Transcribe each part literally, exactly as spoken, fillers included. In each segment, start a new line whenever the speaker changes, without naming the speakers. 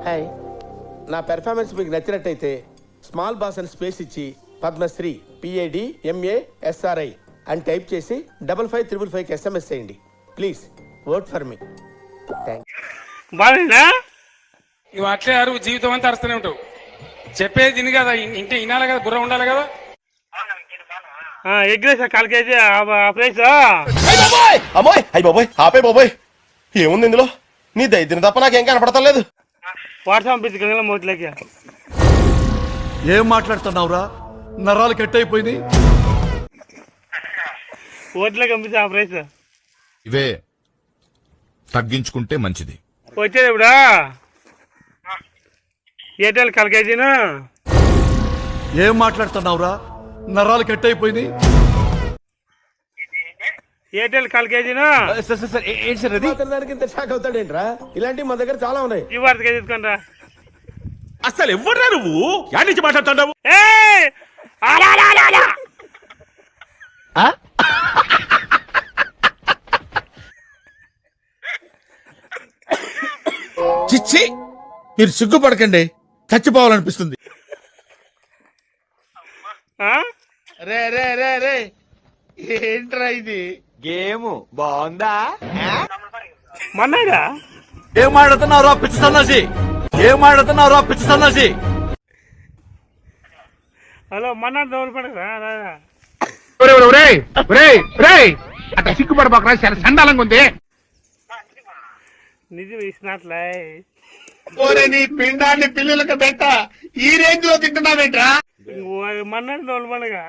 Hi, నా performance మీకు నచ్చినట్టయితే స్మాల్ బాస్ అని స్పేస్ ఇచ్చి పద్మశ్రీ పిఏడి ఎంఏ ఎస్ఆర్ఐ అని టైప్ చేసి డబల్ ఫైవ్ త్రిబుల్ ఫైవ్కి ఎస్ఎంఎస్ చేయండి ప్లీజ్. Vote for me.
బాగా
ఇవి అట్లే అరువు జీవితం అంతా అరుస్తూనే ఉంటావు. చెప్పేది తిని కదా, ఇంటే వినాలి కదా, బుర్ర ఉండాలి కదా.
ఎగ్రేసా కాల్ కేజీ ప్రైస్.
అమ్మాయి అయ్యి బాబోయ్ ఆపే బాబోయ్, ఏముంది ఇందులో? నీ దైద్యం తప్ప నాకేం కనపడతలేదు.
వాట్సాప్ పిచ్చి గంగల మోట్లకి
ఏం మాట్లాడుతున్నావురా? నరాలు కట్ అయిపోయింది.
ఓట్లకి పంపించి ఆ ప్రైస్
ఇవే తగ్గించుకుంటే మంచిది.
వచ్చేది ఇప్పుడా ఎయిర్టెల్ కాల్ కేజీను.
ఏం మాట్లాడుతున్నావురా? నరాలు కట్ అయిపోయింది.
ఎయిర్టెల్ కాల్ కేజీను
దానికి ఇంత షాక్ అవుతాడేంట్రా? ఇలాంటివి మన దగ్గర చాలా ఉన్నాయి.
ఈ వార్తగా తీసుకుంటా.
అసలు ఎవరా నువ్వు? యాడ్ నుంచి మాట్లాడుతున్నావు?
చిచ్చి, మీరు సిగ్గుపడకండి, చచ్చిపోవాలనిపిస్తుంది.
రే రే రే రే ఏంట్రా ఇది?
గేమ్ బాగుందా?
మన్నాయిరా
ఏం మాట్లాడుతున్నావురా పిచ్చి సన్నాసి? ఏం మాట్లాడుతున్నావురా పిచ్చి సన్నాసి?
హలో మన్నా డోలు పడకరా.
అట్లా సిగ్గుపడబాకరా, చాలా సండాలంగా ఉంది.
నిజం ఇచ్చినట్లే.
నీ పిండాన్ని పిల్లలకు పెట్ట ఈ రేంజ్ లో తింటున్నావేంట్రా?
మన్నాడు డోలు పడగా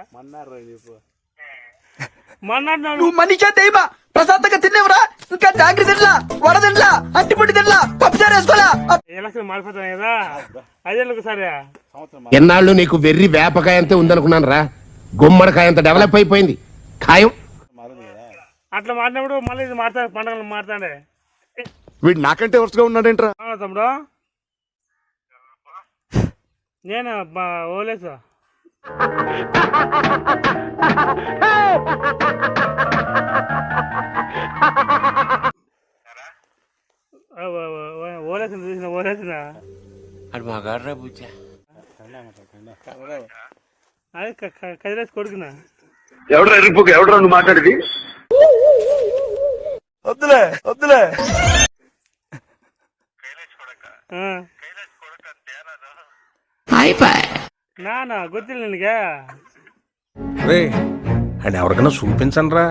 మన్నాడు
నువ్వు మనిషా దైవా? ప్రశాంతంగా తినేవరా? ఇంకా జాగ్రత్త తినలా, వడ తినలా, అట్టిపొడి తినలా, పప్పుచారు వేసుకోవాలా?
ఎలక్షన్ మారిపోతాను కదా, అదే సరే.
ఎన్నాళ్ళు నీకు వెర్రి వేపకాయ అంతే ఉందనుకున్నాను రా, గుమ్మడికాయ అంత డెవలప్ అయిపోయింది ఖాయం.
అట్లా మారినప్పుడు మళ్ళీ ఇది మారుతా, పండుగలు మారుతాడే.
వీడు నాకంటే వరుసగా ఉన్నాడేంట్రా?
తమ్ముడు నేను ఓలేసా ఓలేసిన చూసిన ఓలేసిన అదే కదిలేసి కొడుకున్నా.
ఎవడరా ఎరుపు? ఎవడరా నువ్వు మాట్లాడేది?
వద్దులే వద్దులే.
నానా గుర్తులు నీకే.
రే, అని ఎవరికైనా చూపించండి రా.